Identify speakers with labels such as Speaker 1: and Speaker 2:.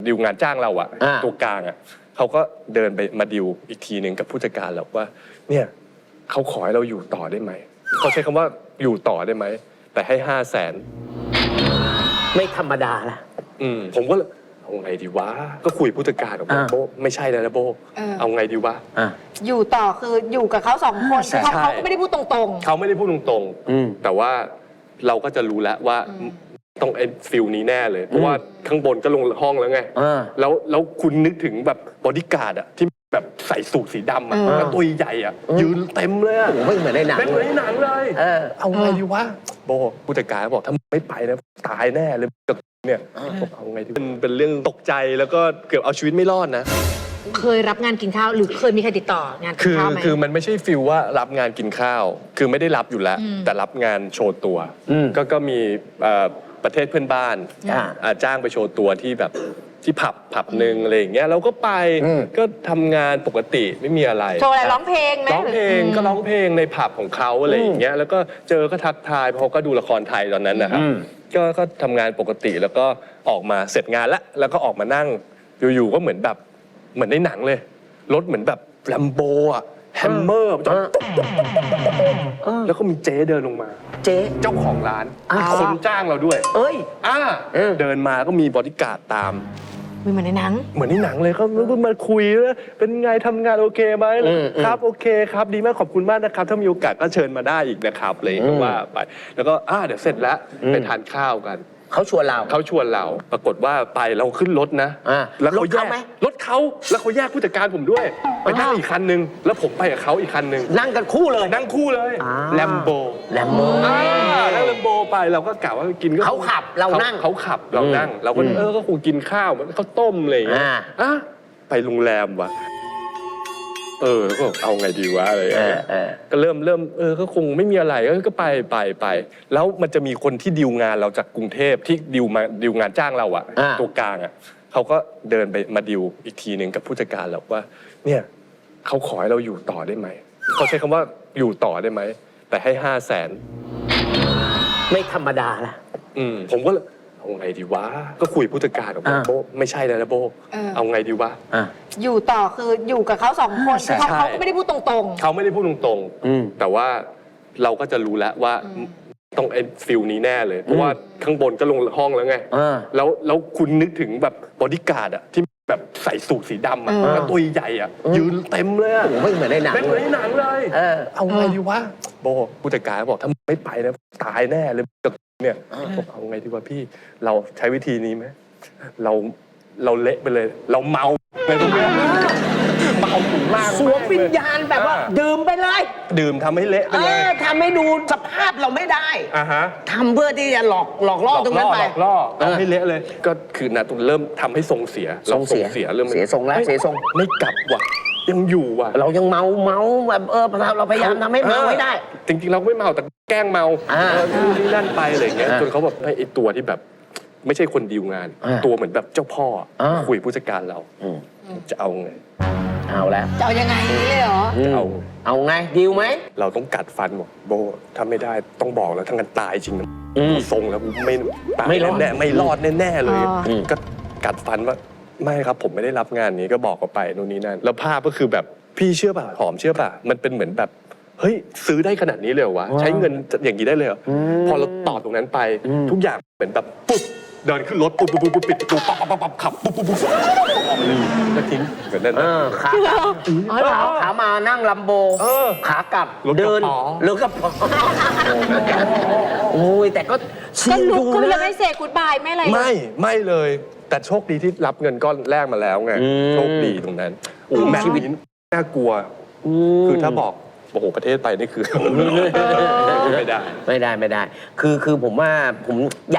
Speaker 1: ดิวงานจ้างเราอะตัวกลางอะเขาก็เดินไปมาดิวอีกทีหนึ่งกับผู้จัดการเราว่าเนี่ยเขาขอให้เราอยู่ต่อได้ไหมเขาใช้คำว่าอยู่ต่อได้ไหมแต่ให้500,000
Speaker 2: ไม่ธรรมดาละ
Speaker 1: ผมก็เอาไงดีวะก็คุยผู้จัดการบอกโบไม่ใช่แล้วนะโบเอาไงดีวะ
Speaker 3: อยู่ต่อคืออยู่กับเขา2 คนเขาไม่ได้พูดตรง
Speaker 1: ๆเขาไม่ได้พูดตรงๆแต่ว่าเราก็จะรู้แล้วว่าต้องไอ้ฟิลนี้แน่เลยเพราะว่าข้างบนก็ลงห้องแล้วไงแล้วคุณนึกถึงแบบบอดี้การ์ดอะที่แบบใส่สูทสีดำอะแล้วตัวใหญ่อะยืนเต็มเลยอะ
Speaker 2: ไม่เหมือนในหนัง
Speaker 1: เป็นเหมือนในหนังเลยเอาไงดีวะโบผู้จัดการบอกถ้าไม่ไปนะตายแน่เลยเนี่ยเอาไงดีเป็นเรื่องตกใจแล้วก็เกือบเอาชีวิตไม่รอดนะ
Speaker 3: เคยรับงานกินข้าวหรือเคยมีใครติดต่องานกินข้าวไหม
Speaker 1: คือมันไม่ใช่ฟิลว่ารับงานกินข้าวคือไม่ได้รับอยู่แล้วแต่รับงานโชว์ตัวก็มีประเทศเพื่อนบ้านจ้างไปโชว์ตัวที่แบบที่ผับหนึ่งอะไรอย่างเงี้ยเราก็ไปก็ทำงานปกติไม่มีอะไร
Speaker 3: โชว์อะไรร้องเพลงไหม
Speaker 1: ร้องเพลงก็ร้องเพลงในผับของเขาอะไรอย่างเงี้ยแล้วก็เจอก็ทักทายเพราะเขาก็ดูละครไทยตอนนั้นนะครับก็ทำงานปกติแล้วก็ออกมาเสร็จงานแล้วก็ออกมานั่งอยู่ๆก็เหมือนในหนังเลยรถเหมือนแบบแลมโบอะแฮมเมอร์จอดแล้วก็มีเจ๊เดินลงมา
Speaker 2: เจ๊
Speaker 1: เจ้าของร้านคนจ้างเราด้วยเดินมาก็มีบอดี้การ์ดตาม
Speaker 3: เหมือนในหนัง
Speaker 1: เลยเขามาคุยว่าเป็นไงทำงานโอเคไหมครับโอเคครับดีมากขอบคุณมากนะครับถ้ามีโอกาสก็เชิญมาได้อีกนะครับเลยก็ว่าไปแล้วก็เดี๋ยวเสร็จแล้วไปทานข้าวกัน
Speaker 2: เขาชวนเรา
Speaker 1: ปรากฏว่าไปเราขึ้นรถนะแล้วเขาแยกรถเขาแล้วเขาแยกผู้จัดการผมด้วยไปนั่งอีกคันนึงแล้วผมไปกับเขาอีกคันนึง
Speaker 2: นั่งกันคู่เลย
Speaker 1: แลมโบนั่งแลมโบไปเราก็กะว่ากินก็
Speaker 2: เขาขับเรานั่ง
Speaker 1: เขาขับเรานั่งเราก็ก็คงกินข้าวมันข้าวต้มอะไรอย่างเงี้ยไปโรงแรมวะแล้วก็เอาไงดีวะอะไรก็เริ่มก็คงไม่มีอะไรก็ไปแล้วมันจะมีคนที่ดีลงานเราจากกรุงเทพที่ดีลงานจ้างเราอะตัวกลางอะเขาก็เดินไปมาดิวอีกทีหนึ่งกับผู้จัดการเราว่าเนี่ยเขาขอให้เราอยู่ต่อได้ไหมเขาใช้คำว่าอยู่ต่อได้ไหมแต่ให้500,000
Speaker 2: ไม่ธรรมดาละ
Speaker 1: ผมก็เอาไงดีวะก็คุยผู้จัดการบอกโบไม่ใช่แล้วนะโบเอาไงดีวะ
Speaker 3: อยู่ต่อคืออยู่กับเขา2 คนเขาไม่ได้พูดตรง
Speaker 1: ๆเขาไม่ได้พูดตรงๆแต่ว่าเราก็จะรู้แล้วว่าต้องไอ้ฟิลนี้แน่เลยเพราะว่าข้างบนก็ลงห้องแล้วไงแล้วคุณนึกถึงแบบบอดี้การ์ดอะที่แบบใส่สูทสีดำอะแล้วตัวใหญ่อะยืนเต็มเลย
Speaker 2: ไม่เหมือนในหนัง
Speaker 1: เป็นเหมือนในหนังเลยเอาไงดีวะโบผู้จัดการบอกถ้าไม่ไปนะตายแน่เลยเนี่ยบอกเอาไงดีวะพี่เราใช้วิธีนี้ไหมเราเละไปเลยเราเมาไปตรงนี้เมาถึงล่าง
Speaker 2: สวมวิญญาณแบบว่าดื่มไปเลย
Speaker 1: ดื่มทำให้เละไปเลย
Speaker 2: ทำให้ดูสภาพเราไม่ได้ทำเพื่อที่จะหลอกล่อตรงนั้นไป
Speaker 1: หลอกล่อทำให้เละเลยก็คือนะตรงเริ่มทำให้ทรงเสียเริ่มเ
Speaker 2: สียทรงแล้วเสียทรง
Speaker 1: ไม่กลับว่ะยังอยู่ว่ะ
Speaker 2: เรายังเมาแบบเราพยายามทำให้เมาไม่ได้
Speaker 1: จริงๆเราไม่เมาแต่แกล้งเมานี่นั่นไปอะไรอย่างเงี้ยจนเขาแบบไอ้ตัวที่แบบไม่ใช่คนดีลงานตัวเหมือนแบบเจ้าพ่อคุยผู้จัดการเราจะเอาไง
Speaker 2: เอาแล้ว
Speaker 3: จะเอายังไงเลยเหรอ
Speaker 2: เอาไงดีลไหม
Speaker 1: เราต้องกัดฟันบอกโบถ้าไม่ได้ต้องบอกแล้วถ้างั้นตายจริงนะทรงแล้วไม่ตายแน่ไม่รอดแน่เลยก็กัดฟันว่าไม่ครับผมไม่ได้รับงานนี้ก็บอกเขาไปนู่นนี่นั่นแล้วภาพก็คือแบบพี่เชื่อป่ะหอมเชื่อป่ะมันเป็นเหมือนแบบเฮ้ยซื้อได้ขนาดนี้เลยเหรอวะใช้เงินอย่างนี้ได้เลยเหรอพอเราตอบตรงนั้นไปทุกอย่างเหมือนแบบปุ๊บเดินขึ้นรถปุ๊บปิดประตูปั๊บขับปุ๊บแล้วทิ้งเหมือนนั้น
Speaker 2: ขามานั่งลัมโบขากลับเดินหรือกระป๋อโอ้ยแต่ก็
Speaker 3: ลุกก็ยังไม่เสกกูดบายไม่อะไร
Speaker 1: ไม่เลยแต่โชคดีที่รับเงินก้อนแรกมาแล้วไงโชคดีตรงนั้นแม้ชีวิตน่ากลัวคือถ้าบอกโอ้โหประเทศไปนี่คือไม่ได้
Speaker 2: คือผมว่าผมอยาก